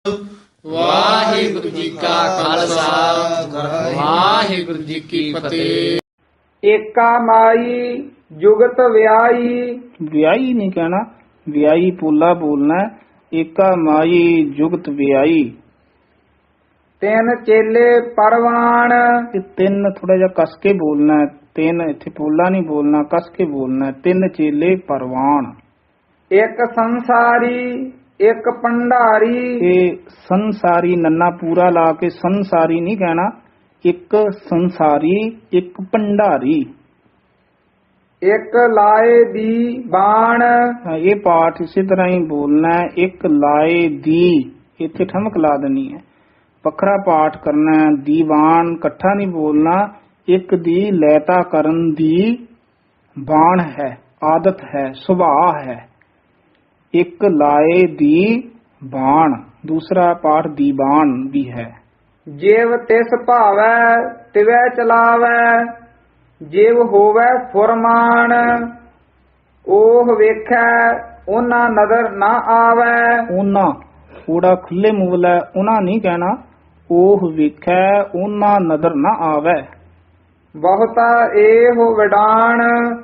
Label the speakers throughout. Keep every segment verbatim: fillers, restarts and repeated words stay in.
Speaker 1: ਵਾਹਿਗੁਰੂ ਜੀ ਕਾ ਖਾਲਸਾ ਵਾਹਿਗੁਰੂ ਜੀ ਕੀ ਫਤਿਹ।
Speaker 2: ਏਕਾ ਮਾਈ ਜੁਗਤ ਵਿਆਈ।
Speaker 3: ਵਿਆਹੀ ਨਹੀਂ ਕਹਿਣਾ, ਵਿਆਹੀ ਪੋਲਾ ਬੋਲਣਾ। ਏਕਾ ਮਾਈ ਜੁਗਤ ਵਿਆਹੀ।
Speaker 2: ਤਿੰਨ ਚੇਲੇ ਪਰਵਾਨ।
Speaker 3: ਇਹ ਤਿੰਨ ਥੋੜਾ ਜਿਹਾ ਕਸ ਕੇ ਬੋਲਣਾ। ਤਿੰਨ ਇੱਥੇ ਪੋਲਾ ਨਹੀਂ ਬੋਲਣਾ, ਕਸ ਕੇ ਬੋਲਣਾ। ਤਿੰਨ ਚੇਲੇ ਪਰਵਾਨ।
Speaker 2: ਇੱਕ ਸੰਸਾਰੀ ਇੱਕ ਭੰਡਾਰੀ।
Speaker 3: ਇਹ ਸੰਸਾਰੀ ਨੰਨਾ ਪੂਰਾ ਲਾ ਕੇ ਸੰਸਾਰੀ ਨਹੀਂ ਕਹਿਣਾ। ਇੱਕ ਸੰਸਾਰੀ ਇੱਕ ਭੰਡਾਰੀ।
Speaker 2: ਇੱਕ ਲਾਏ ਦੀ ਬਾਣ।
Speaker 3: ਹਾਂ, ਇਹ ਪਾਠ ਇਸੇ ਤਰ੍ਹਾਂ ਹੀ ਬੋਲਣਾ ਹੈ। ਇੱਕ ਲਾਏ ਦੀ, ਇੱਥੇ ਠਮਕ ਲਾ ਦੇਣੀ ਹੈ। ਵੱਖਰਾ ਪਾਠ ਕਰਨਾ ਹੈ। ਦੀਵਾਨ ਇਕੱਠਾ ਨਹੀਂ ਬੋਲਣਾ। ਇੱਕ ਦੀ ਲੈਤਾ ਕਰਨ ਦੀ ਬਾਣ ਹੈ, ਆਦਤ ਹੈ, ਸੁਭਾਅ ਹੈ। ਇੱਕ ਲਾਏ ਦੀ ਬਾਣ। ਦੂਸਰਾ ਪਾਠ ਦੀਵਾਨ ਵੀ ਹੈ।
Speaker 2: ਜਿਵ ਤਿਸ ਭਾਵੈ ਤਿਵੈ ਚਲਾਵੈ। ਜਿਵ ਹੋਵੈ ਫੁਰਮਾਨ। ਉਹ ਵੇਖੈ ਉਹਨਾਂ ਨਦਰ ਨਾ ਆਵੈ।
Speaker 3: ਉਹਨਾਂ ਥੋੜਾ ਖੁੱਲੇ ਮੂਲ ਹੈ, ਉਹਨਾਂ ਨਹੀਂ ਕਹਿਣਾ। ਉਹ ਵੇਖੈ ਉਹਨਾਂ ਨਦਰ ਨਾ ਆਵੈ।
Speaker 2: ਬਹੁਤਾ ਇਹੋ ਵਿਡਾਣ।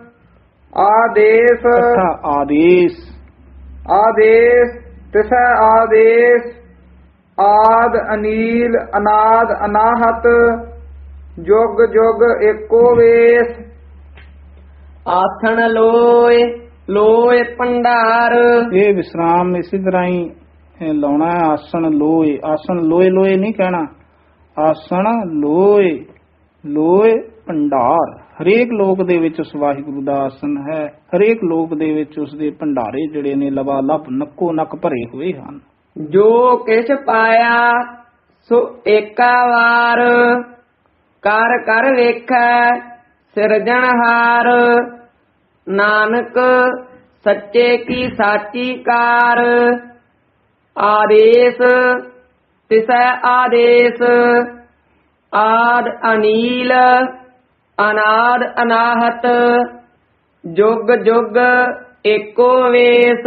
Speaker 2: ਆਦੇਸ਼
Speaker 3: ਇਕੱਠਾ ਆਦੇਸ਼।
Speaker 2: ਆਦੇਸ਼ ਤਿਸੈ ਆਦੇਸ਼। ਆਦ ਅਨੀਲ ਅਨਾਦ ਅਨਾਹਤ। ਜੁਗ ਜੁਗ ਏਕੋ ਵੇਸ।
Speaker 1: ਆਥਣ ਲੋਏ ਲੋਏ ਭੰਡਾਰ।
Speaker 3: ਇਹ ਵਿਸਰਾਮ ਇਸੇ ਤਰ੍ਹਾਂ ਹੀ ਇਹ ਲਾਉਣਾ ਹੈ। ਆਸਣ ਲੋਏ, ਆਸਣ ਲੋਏ ਲੋਏ ਨਹੀਂ ਕਹਿਣਾ। ਆਸਣ ਲੋਏ ਲੋਏ ਭੰਡਾਰ। ਹਰੇਕ ਲੋਕ ਦੇ ਵਿੱਚ ਉਸ ਵਾਹਿਗੁਰੂ ਦਾ ਆਸਣ ਹੈ। ਹਰੇਕ ਲੋਕ ਦੇ ਵਿੱਚ ਉਸ ਦੇ ਭੰਡਾਰੇ ਜਿਹੜੇ ਨੇ ਲਵਾ ਲੱਭ ਨੱਕੋ ਨੱਕ ਭਰੇ ਹੋਏ ਹਨ।
Speaker 1: ਜੋ ਕਿਛ ਪਾਇਆ ਸੋ ਏਕਾ ਵਾਰ। ਕਰ ਕਰ ਵੇਖੈ ਸਿਰਜਣਹਾਰ। ਨਾਨਕ ਸੱਚੇ ਕੀ ਸਾਚੀ ਕਾਰ। ਆਦੇਸ਼ ਤਿਸੈ ਆਦੇਸ਼। ਆਦ ਅਨੀਲ ਅਨਾਦ ਅਨਾਹਤ। ਜੁਗ ਜੁਗ ਏਕੋ ਵੇਸ।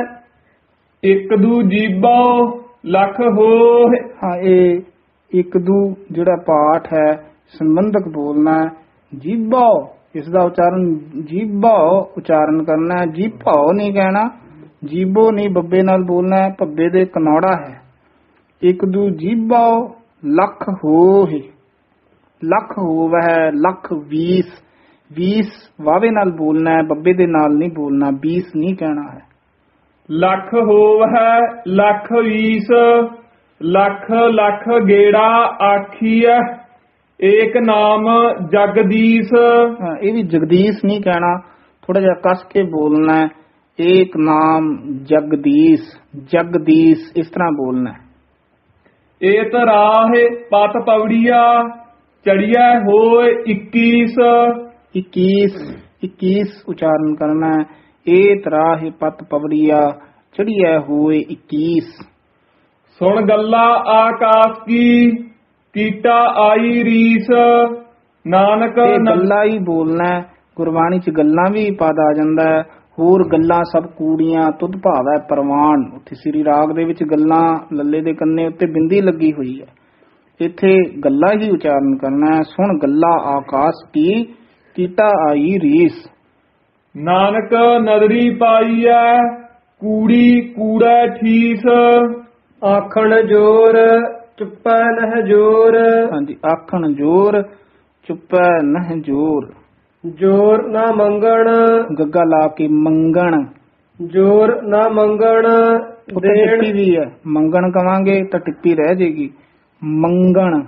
Speaker 2: ਇੱਕ ਦੂ ਜੀਬੋ ਲੱਖ ਹੋਏ।
Speaker 3: ਹਾਂ, ਇਹ ਇੱਕ ਦੂ ਜਿਹੜਾ ਪਾਠ ਹੈ ਸੰਬੰਧਕ ਬੋਲਣਾ ਹੈ। ਜੀਭੋ, ਇਸ ਦਾ ਉਚਾਰਨ ਜੀਭੋ ਉਚਾਰਨ ਕਰਨਾ ਹੈ। ਜੀਭੋ ਨਹੀਂ ਕਹਿਣਾ। ਜੀਭੋ ਨਹੀਂ, ਬੱਬੇ ਨਾਲ ਬੋਲਣਾ ਹੈ। ਭੱਬੇ ਦੇ ਕਨੌੜਾ ਹੈ। ਇੱਕ ਦੂ ਜੀਭੋ ਲੱਖ ਹੋਏ। ਲੱਖ ਹੋਵੈ, ਲੱਖ ਵੀਸ। ਵੀਸ ਵਾਵੇ ਨਾਲ ਬੋਲਣਾ ਹੈ, ਬੱਬੇ ਦੇ ਨਾਲ ਨਹੀਂ ਬੋਲਣਾ। ਵੀਸ ਨਹੀਂ ਕਹਿਣਾ ਹੈ।
Speaker 2: ਲੱਖ ਹੋਵੈ ਲੱਖ ਵੀਸ। ਲੱਖ ਲੱਖ ਗੇੜਾ ਆਖੀਐ। ਏਕ ਨਾਮ ਜਗਦੀਸ਼।
Speaker 3: ਹਾਂ, ਇਹ ਵੀ ਜਗਦੀਸ਼ ਨਹੀਂ ਕਹਿਣਾ। ਥੋੜਾ ਜਿਹਾ ਕਸ ਕੇ ਬੋਲਣਾ ਹੈ। ਏਕ ਨਾਮ ਜਗਦੀਸ਼, ਜਗਦੀਸ਼ ਇਸ ਤਰ੍ਹਾਂ ਬੋਲਣਾ ਹੈ।
Speaker 2: ਏਤ ਰਾਹੇ ਪਤ ਪਵੜੀਆ। ਚੜੀਐ ਹੋਏ ਇੱਕੀਸ।
Speaker 3: इक्कीस, इक्कीस उच्चारण करना है। ए तराह पत पवड़िया चढ़िया हुए इक्कीस।
Speaker 2: सुन गल्ला आकाश की कीटा आई रीस। नानक
Speaker 3: गल्ला ही बोलना है। गुरबाणी च गल्ला भी पद आ जांदा है। होर गल्ला सब कूड़ियां तुद भावै परवान। उत्थे श्री राग दे विच गल्ला लल्ले दे कन्ने उत्ते बिंदी लगी हुई है। इत्थे गल्ला ही उच्चारण करना है। सुन गल्ला आकाश की कीटा आई रीस।
Speaker 2: नानक नदरी पाईऐ कूड़ी कूड़ै ठीस। आखण जोर चुप्पै नह जोर।
Speaker 3: हाँ जी, आखण जोर चुप्पै नह जोर।
Speaker 2: जोर ना मंगण।
Speaker 3: गग्गा ला के मंगण।
Speaker 2: जोर ना मंगण
Speaker 3: टिप्पी भी है। मंगण कवांगे तो टिप्पी रह जाएगी। मंगण।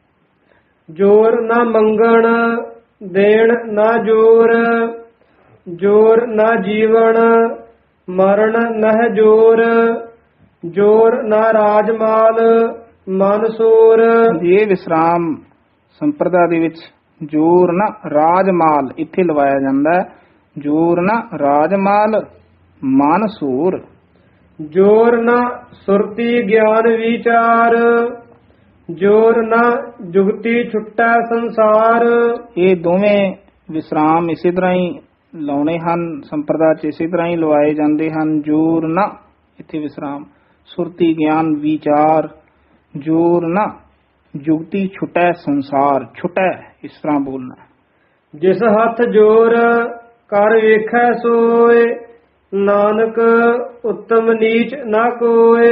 Speaker 2: जोर ना मंगण देण ना जोर। जोर ना जीवन मरण नह जोर। जोर ना राजमाल ਮਨ ਸੂਰ।
Speaker 3: ਇਹ ਵਿਸਰਾਮ ਸੰਪਰਦਾ ਦੇ ਵਿੱਚ ਜੋਰ ਨਾ ਰਾਜਮਾਲ ਇੱਥੇ ਲਵਾਇਆ ਜਾਂਦਾ ਹੈ। ਜੋਰ ਨਾ ਰਾਜਮਾਲ ਮਨ ਸੂਰ।
Speaker 2: ਜੋਰ ਨਾ ਸੁਰਤੀ ਗਿਆਨ ਵਿਚਾਰ। ਜੋਰ ਨਾ ਜੁਗਤੀ ਛੁੱਟੈ ਸੰਸਾਰ।
Speaker 3: ਇਹ ਦੋਵੇਂ ਵਿਸਰਾਮ ਇਸੇ ਤਰ੍ਹਾਂ ਹੀ ਲਾਉਣੇ ਹਨ। ਸੰਪਰਦਾ ਚ ਇਸੇ ਤਰ੍ਹਾਂ ਹੀ ਲਵਾਏ ਜਾਂਦੇ ਹਨ। ਜੋਰ ਨਾ ਇੱਥੇ ਵਿਸਰਾਮ, ਸੁਰਤੀ ਗਿਆਨ ਵਿਚਾਰ ਜੋਰ ਨਾ ਜੁਗਤੀ ਛੁਟੈ ਸੰਸਾਰ ਛੁਟੈ ਇਸ ਤਰ੍ਹਾਂ ਬੋਲਣਾ।
Speaker 2: ਜਿਸ ਹੱਥ ਜੋਰ ਕਰ ਵੇਖੈ ਸੋਏ ਨਾਨਕ ਉੱਤਮ ਨੀਚ ਨਾ ਕੋਏ।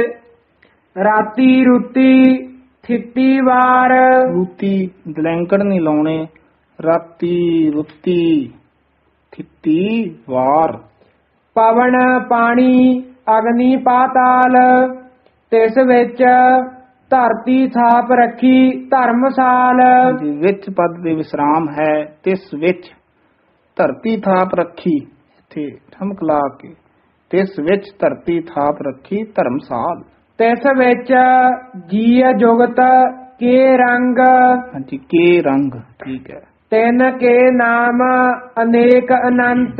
Speaker 2: ਰਾਤੀ ਰੁੱਤੀ ਥਿੱਤੀ ਵਾਰ
Speaker 3: ਰੂਤੀ ਦਲੈਂਕੜ ਨਹੀਂ ਲਾਉਣੇ ਰਾਤੀ ਰੁੱਤੀ ਥਿੱਤੀ ਵਾਰ।
Speaker 2: ਪਵਨ ਪਾਣੀ ਅਗਨੀ ਪਾਤਾਲ ਤਿਸ ਵਿੱਚ ਧਰਤੀ ਥਾਪ ਰੱਖੀ ਧਰਮਸਾਲ।
Speaker 3: ਜੀ ਵਿੱਚ ਪਦ ਦੇ ਵਿਸਰਾਮ ਹੈ ਤਿਸ ਵਿੱਚ ਧਰਤੀ ਥਾਪ ਰੱਖੀ ਇੱਥੇ ਠਮਕ ਲਾ ਕੇ ਤਿਸ ਵਿੱਚ ਧਰਤੀ ਥਾਪ ਰੱਖੀ ਧਰਮਸਾਲ।
Speaker 2: ਤਿਸ ਵਿੱਚ ਜੀਅ ਜੁਗਤ ਕੇ ਰੰਗ
Speaker 3: ਹਾਂਜੀ ਕੇ ਰੰਗ ਠੀਕ ਹੈ।
Speaker 2: ਤਿੰਨ ਕੇ ਨਾਮ ਅਨੇਕ ਅਨੰਤ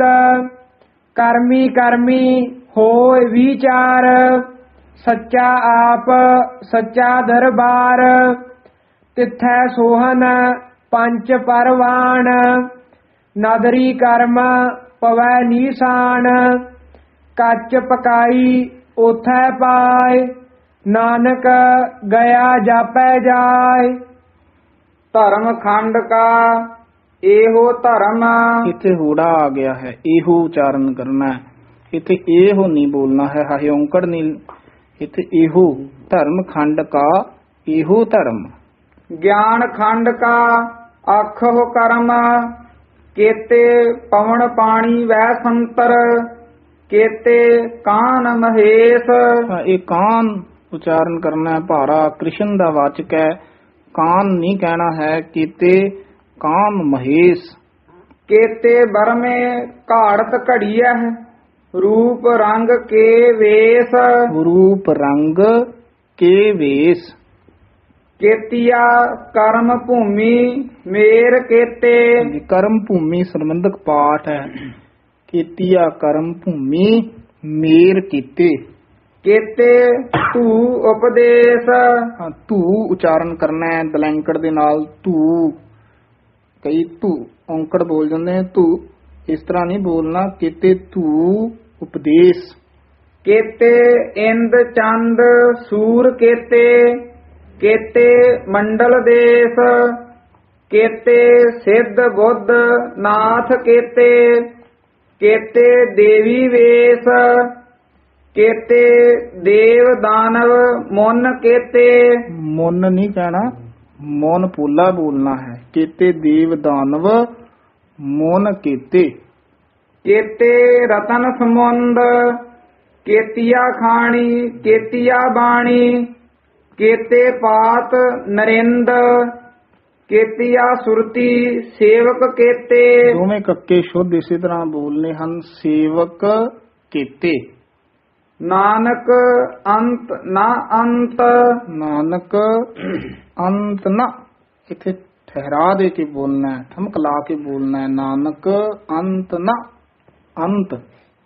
Speaker 2: ਕਰਮੀ ਕਰਮੀ ਹੋਏ ਵਿਚਾਰ। ਸੱਚਾ ਆਪ ਸੱਚਾ ਦਰਬਾਰ ਤਿੱਥੈ ਸੋਹਨ ਪੰਚ ਪਰਵਾਨ। ਨਦਰੀ ਕਰਮ ਪਵੈ ਨੀਸਾਨ ਕੱਚ ਪਕਾਈ ਉਥੈ ਪਾਏ। ਨਾਨਕ ਗਿਆ ਜਾਪੈ ਜਾਏ। ਧਰਮ ਖੰਡ ਕਾ ਇਹੋ ਧਰਮ
Speaker 3: ਇੱਥੇ ਹੋੜਾ ਆ ਗਿਆ ਹੈ ਇਹੋ ਉਚਾਰਨ ਕਰਨਾ ਹੈ। ਇੱਥੇ ਇਹੋ ਨਹੀਂ ਬੋਲਣਾ ਹੈ ਹਾਏ ਔਂਕੜ ਨਹੀਂ ਇੱਥੇ ਇਹੋ ਧਰਮ ਖੰਡ ਕਾ ਇਹੋ ਧਰਮ।
Speaker 2: ਗਿਆਨ ਖੰਡ ਕਾ ਆਖੋ ਕਰਮ ਕੇਤੇ ਪਵਨ ਪਾਣੀ ਵੈ ਸੰਤਰ। ਕੇਤੇ ਕਾਨ ਮਹੇਸ਼
Speaker 3: ਹਾਂ, ਇਹ ਕਾਨ ਉਚਾਰਨ ਕਰਨਾ ਹੈ ਭਾਰਾ ਕ੍ਰਿਸ਼ਨ ਦਾ ਵਾਚਕ ਹੈ ਕਾਨ ਨਹੀਂ ਕਹਿਣਾ ਹੈ ਕੀਤੇ ਕਾਮ ਮਹੇਸ਼।
Speaker 2: ਕੇਤੇ ਬਰਮੇ ਘਾੜਤ ਘੜੀਐ ਰੂਪ ਰੰਗ ਕੇ ਵੇਸ।
Speaker 3: ਰੂਪ ਰੰਗ ਕੇ ਵੇਸ।
Speaker 2: ਕੇਤੀਆ ਕਰਮ ਭੂਮੀ ਮੇਰ ਕੇਤੇ।
Speaker 3: ਕਰਮ ਭੂਮੀ ਸੰਬੰਧਕ ਪਾਠ ਹੈ ਕੀਤੀਆ ਕਰਮ ਭੂਮੀ ਮੇਰ ਕੀਤੇ।
Speaker 2: ਕੇਤੇ ਧੂ ਉਪਦੇਸ਼
Speaker 3: ਹਾਂ, ਧੂ ਉਚਾਰਨ ਕਰਨਾ ਹੈ ਦਲੈਂਕੜ ਦੇ ਨਾਲ ਧੂ ਕਈ ਧੂ ਔਂਕੜ ਬੋਲ ਜਾਂਦੇ ਨੇ ਧੂ ਇਸ ਤਰ੍ਹਾਂ ਨਹੀਂ ਬੋਲਣਾ ਕੀਤੇ ਧੂ ਉਪਦੇਸ਼।
Speaker 2: ਕੇਤੇ ਇੰਦ ਚੰਦ ਸੂਰ ਕੇਤੇ। ਕੇਤੇ ਮੰਡਲ ਦੇਸ਼ ਕੇਤੇ ਸਿੱਧ ਬੁੱਧ ਨਾਥ ਕੇਤੇ। ਕੇਤੇ ਦੇਵੀ ਵੇਸ਼ ਕੇਤੇ ਦੇਵ ਦਾਨਵ ਮੁਨ ਕੇਤੇ।
Speaker 3: ਮੁਨ ਨਹੀਂ ਕਹਿਣਾ ਮੋਨ ਪੋਲਾ ਬੋਲਣਾ ਹੈ ਕੇਤੇ ਦੇਵ ਦਾਨਵ ਮੋਨ ਕੇਤੇ।
Speaker 2: ਕੇਤੇ ਰਤਨ ਸਮੁੰਦ ਕੇਤੀਆ ਖਾਣੀ ਕੇਤੀਆ ਬਾਣੀ। ਕੇਤੇ ਪਾਤ ਨਰਿੰਦ ਕੇਤੀਆ ਸੁਰਤੀ ਸੇਵਕ ਕੇਤੇ।
Speaker 3: ਦੋਵੇਂ ਕੱਕੇ ਸ਼ੁੱਧ ਇਸੇ ਤਰ੍ਹਾਂ ਬੋਲਨੇ ਹਨ ਸੇਵਕ ਕੇਤੇ।
Speaker 2: ਨਾਨਕ ਅੰਤ ਨਾ ਅੰਤ
Speaker 3: ਨਾਨਕ ਅੰਤ ਨਾ ਇੱਥੇ ਠਹਿਰਾ ਦੇ ਕੇ ਬੋਲਣਾ ਹੈ ਠਮਕ ਲਾ ਕੇ ਬੋਲਣਾ ਹੈ ਨਾਨਕ ਅੰਤ ਨਾ ਅੰਤ।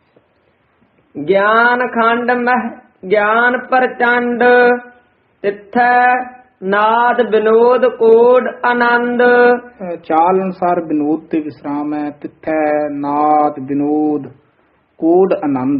Speaker 2: ਗਿਆਨ ਖੰਡ ਮਹਿ ਗਿਆਨ ਪ੍ਰਚੰਡ ਤਿੱਥੈ ਨਾਦ ਵਿਨੋਦ ਕੋਡ ਆਨੰਦ।
Speaker 3: ਅਹ ਚਾਲ ਅਨੁਸਾਰ ਵਿਨੋਦ ਤੇ ਵਿਸਰਾਮ ਹੈ ਤਿੱਥੈ ਨਾਦ ਵਿਨੋਦ ਕੋਡ ਆਨੰਦ।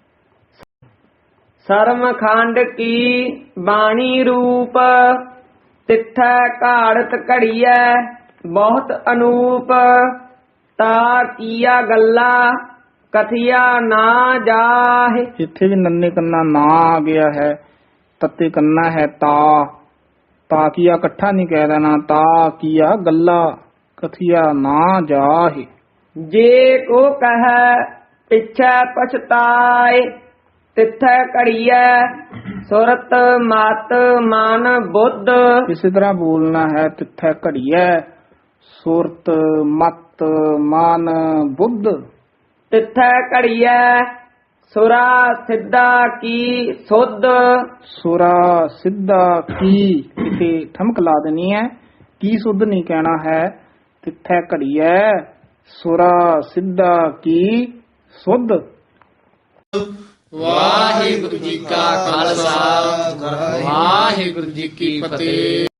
Speaker 2: ਸਰਮ ਖੰਡ ਕੀ ਬਾਣੀ ਰੂਪ ਤਿੱਥੈ ਘਾੜਤ ਘੜੀਐ ਬਹੁਤ ਅਨੂਪ। ਤਾ ਕੀਆ ਗੱਲਾ ਕਥਿਆ ਨਾ ਜਾਹੇ।
Speaker 3: ਇੱਥੇ ਵੀ ਨੰਨੇ ਕੰਨਾ ਨਾ ਆ ਗਿਆ ਹੈ ਤੱਤੇ ਕੰਨਾ ਹੈ ਤਾ ਤਾ ਕੀਆ ਇਕੱਠਾ ਨਹੀਂ ਕਹਿ ਦੇਣਾ ਤਾ ਕੀਆ ਗੱਲਾ ਕਥਿਆ ਨਾ ਜਾਹੇ।
Speaker 2: ਜੇ ਕੋ ਕਹੈ ਪਿਛੈ ਪਛਤਾਏ ਤਿੱਥੈ ਘੜੀਐ ਸੁਰਤ ਮਤ ਮਨ ਬੁੱਧ।
Speaker 3: ਇਸੇ ਤਰ੍ਹਾਂ ਬੋਲਣਾ ਹੈ ਤਿੱਥੈ ਘੜੀਐ ਸੁਰਤ ਮਤ ਮਨ ਬੁੱਧ।
Speaker 2: ਤਿੱਥੈ ਘੜੀਐ ਸੁਰਾ ਸਿੱਧਾ ਕੀ ਸੁਧ।
Speaker 3: ਸੁਰਾ ਸਿੱਧਾ ਕੀ ਇਥੇ ਠਮਕ ਲਾ ਦੇਣੀ ਹੈ ਕੀ ਸੁਧ ਨਹੀਂ ਕਹਿਣਾ ਹੈ ਤਿੱਥੈ ਘੜੀਐ ਸੁਰਾ ਸਿੱਧਾ ਕੀ ਸੁਧ।
Speaker 1: ਵਾਹਿਗੁਰੂ ਜੀ ਕਾ ਖਾਲਸਾ ਵਾਹਿਗੁਰੂ ਜੀ ਕੀ ਫਤਿਹ।